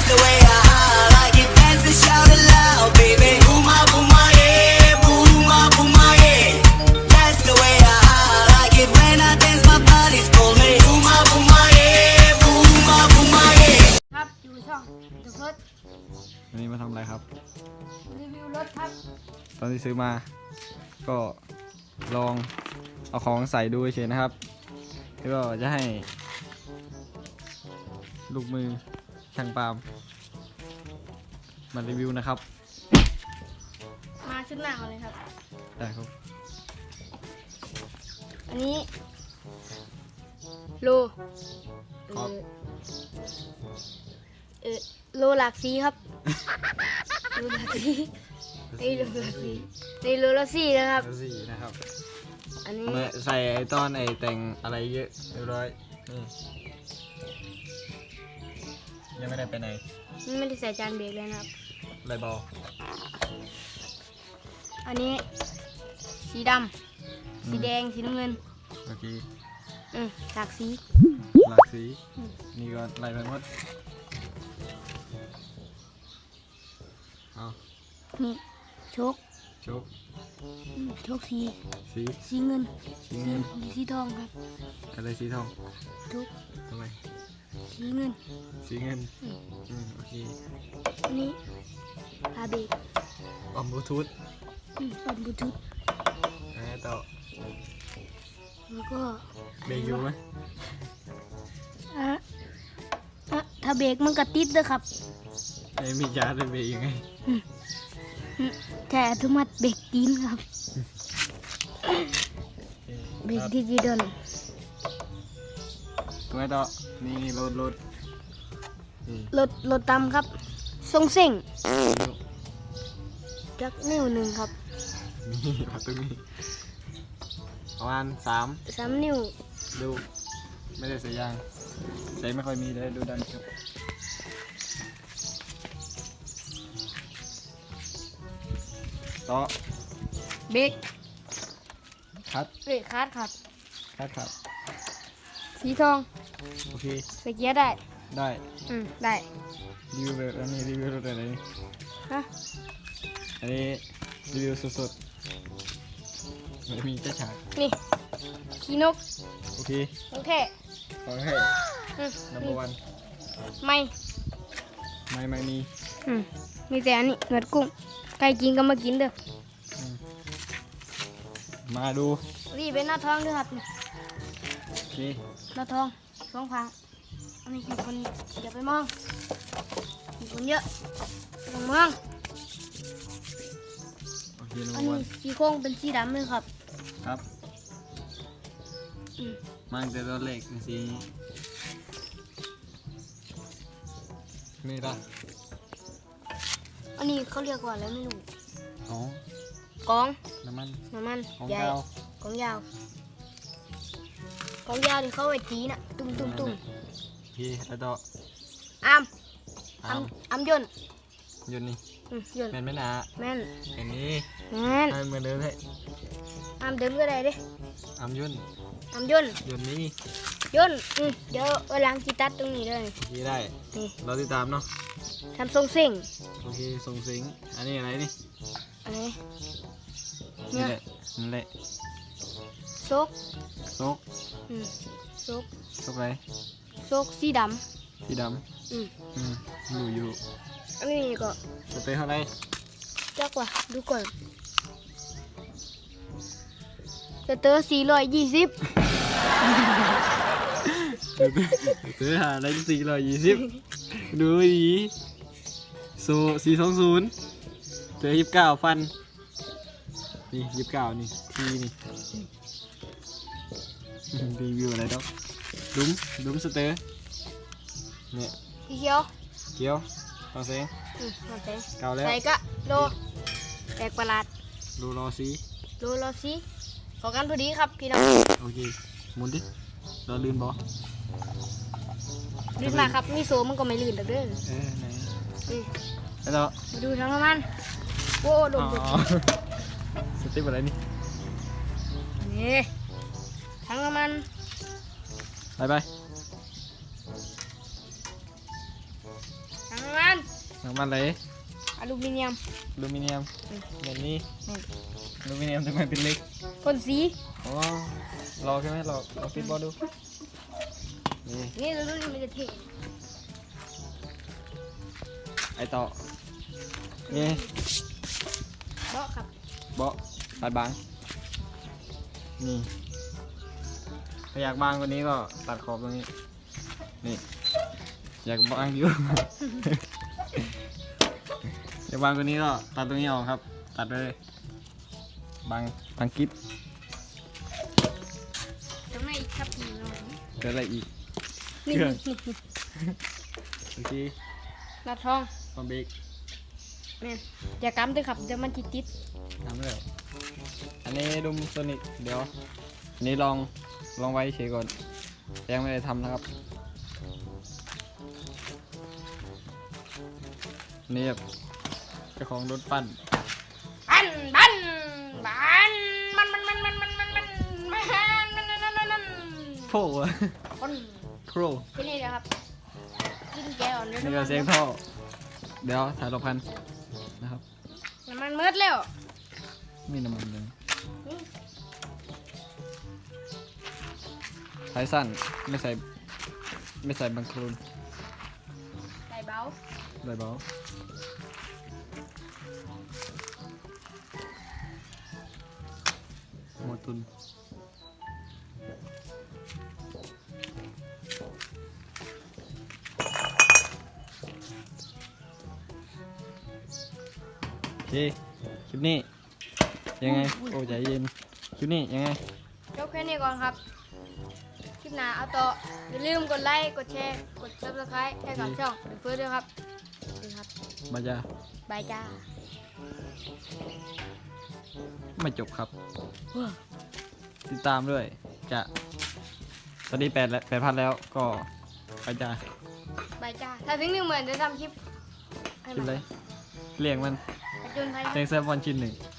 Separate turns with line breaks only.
the way I like it. Dance and shout it loud, baby. Booma, booma, yeah. Booma, booma, yeah. That's the way I like it. When I dance, my body's call me. Booma, booma, yeah. Booma, booma, yeah.
ครับอยู่ช่อง The First
วันนี้มาทำอะไรครับ
รีวิวรถครับ
ตอนที่ซื้อมาก็ลองเอาของใส่ดูเฉยๆนะครับแล้วก็จะให้ลูกมือช่างปาล์มมารีวิวนะครับ
มาชุดหน้าก่อนเลยครับ
ได้ครับ
อันนี้โล
ครับ
โลหลากสีครับ โลหลากสีนี่โลหลากสีนี่โลละสีนะครับ
แล้วสี่นะครับ
อันนี้
มาใส่ไอ้ต้อนไอ้แต่งอะไรเยอะเรียบร้อยนี่ยังไม่ได้ไปไหน
ไม่ได้ใส่จานเบรกเลยนะครับ
ไรบอล
อันนี้สีดำสีแดงสีน้ำเงิน
โอเค
หลากสี
หลากสีนี่ก็ไล่ไปหมดเอา
นี่โชค
โชค
โชคสี
สี
สีเงิน
สีเงิน
สีทองครับ
อะไรสีทอง
โชค
ทำไม
สีเงิน
สีเงินโอเค
อันนี้พาเบรก
ออมบลูทูธ
ปัดบลูทูธ
ต่อ
แล้วก็
เบรกอยู่ไหม
ถ้าเบรกมันก็ติดเลยครับ
ไอ้มีจาร์ดเบรกยังไง
แต่อัตโนมัติเบรกตีนครับเบรกดิจิตอล
ตรงไหนต่อนี่รถนี่
รถตำครับทรงเส้งจักนิ้วหนึ่งครับ
นี่ประตูนี้ประมาณ
3 นิ้ว
ดูไม่ได้ใส่ยางใส่ไม่ค่อยมีเลยดูดันครับต่อ
เบรก
คัด
เบรกคาร์ดครับ
ครับ
สีทอง
โอเค
ใส่เกียร์ได้
ได้
ได้
รีวิวแบบอันนี้รีวิวรถอะไรนี่
ฮะ
อันนี้รีวิวสดๆไม่มีเจ้าฉาก
นี่ขี้นก
โอเค
โอเค
ขอให้ number one
ไม่
ไม่มี
มีแต่อันนี้เงือดกุ้งใครกินก็มากินเด้อ
มาดู
นี่เป็นหน้าท้องด้วยครับนี่
โอเค
หน้าท้อง2 พังอันนี้คือคนอย่าไปมองมีคนเยอะไม่ต้องมอง
โอเค
อัน
number
นี้
one
สีโค้งเป็นสีดำเลยครับ
ครับมาตั้งแต่ตอนเล็กสีนี่ละ
อันนี้เขาเรียกว่าอะไรไม่รู้
อ๋อก
อง
น้ำมัน ของ
ใหญ่
เก่าก
องยาวกองยาวที่เขาไว้ตีน่ะตุ้ม
โอเคแล้วต่อ
อ้าม
อ้าม
อ้ามยนต์
ยนต์นี่
ยนต์
แม่นไหมนะ
แม่น
อันนี้
แม่น
ให้เหมือนเดิมเลย
อ้ามเดิมก็ได้เด้
อ้ามยนต์
อ้ามยนต์
ยนต์นี้
ยนต์เดี๋ยวเอาล้างกีตัดตรงนี้เลย
โอเคได้
นี่
เราติดตามเนาะ
ทำทรงเส้ง
โอเคส่งสิงอันนี้อะไรนี่
อันนี้
นี่แหละนั่นแหละ
โซก
โซก
โซก
โซกอะไร
โซกสีด
สีด
ำ
อยู่
อันนี้ก็
สเตย์เท่าไหร
จักว่าดูก่อนสเตอร์420
สเตย์หาได้420ดูดีโซ420เจอ29ฟันนี่29นี่ทีนี่รีวิวอะไรดอกดุมสเตย์เนี่ย
สีเขียว
เกียวฟังเสียง
มาแตง
เก่าแล้ว
ใส่กะโลแปลกประหลาด
ดูรอซี
โลละสีขอกันพอดีครับพี่น้อง
โอเคหมุนดิเราลื่นบอ
ลื่นมากครับมีโซมันก็ไม่ลื่นเด้อ
ไหน
นี่
แล้วต่อ
มาดูทั้งน้ำมันโอ้โด
อ๋
น
อสเต็ปอะไรนี่
นี่ทั้งน้ำมัน
ไป
ทั้งน้ำมัน
น้ำมันเลย
อลูมิเนียม
อลูมิเนียมแบบนี้
นี่
อลูมิเนียมทำไมเป็นเล็ก
พ่นสี
อ๋อรอใช่ไหมรอฟิตบอลดูนี่
นี่รุ่นนี้มันจะเท่
ไอต่อนี่
เบาะครับ
เบาะตัดบางนี่ถ้าอยากบางกว่านี้ก็ตัดขอบตรงนี้นี่อยากบางอยู่ อยากบางกว่านี้ก็ตัดตรงนี้ออกครับ ตัดเลยบางกิ๊บ
ข้างในอีกครับนี่หน่อย
เกิดอะไรอีก
นี่
เครื่อง
นี่
โอเค
หน้าท้อง
คอมเบรก
แม่นอย่ากำด้วยครับเดี๋ยวมันติด
ทำแล้วอันนี้ดุมโซนิกเดี๋ยวอันนี้ลองไว้เฉยก่อนยังไม่ได้ทำนะครับอันนี่แบบเจ้าของรถปั้น
บันบันบันมัน
โพ่อะ
คน
โคร
ที่นี่นะครับกินแกอ่อนเดี๋ยว
นี่
น้ำ
ก็
มัน
เสียงท่อเดี๋ยวถ่ายรบพันนะครับ
น้ำมันเมืดแล้ว
มีน้ำมันเลย
นี่
สายสั้นไม่ใส่บังโคลน
ใส่เบา
ได้เบาหมดทุนโอเคคลิปนี้ยังไงโอ้ใจเย็นคลิปนี้ยังไง
ยกแค่นี้ก่อนครับคลิปหน้าเอาต่ออย่าลืมกดไลค์กดแชร์กด subscribe ให้กับช่องหรือเพื่อนด้วยครับนี่ครับ
มาจ้า
บายจ้า
ไม่จบครับ ติดตามด้วยจะตอนนี้8,000แล้วก็ไปจ้า
บายจ้าถ้าถึง10,000จะทำคลิปให้
คลิป
มัน
เลยเลี้ยงมัน
ประจนภัย
เลี้ยงแซมบอลชิ้นหนึ่ง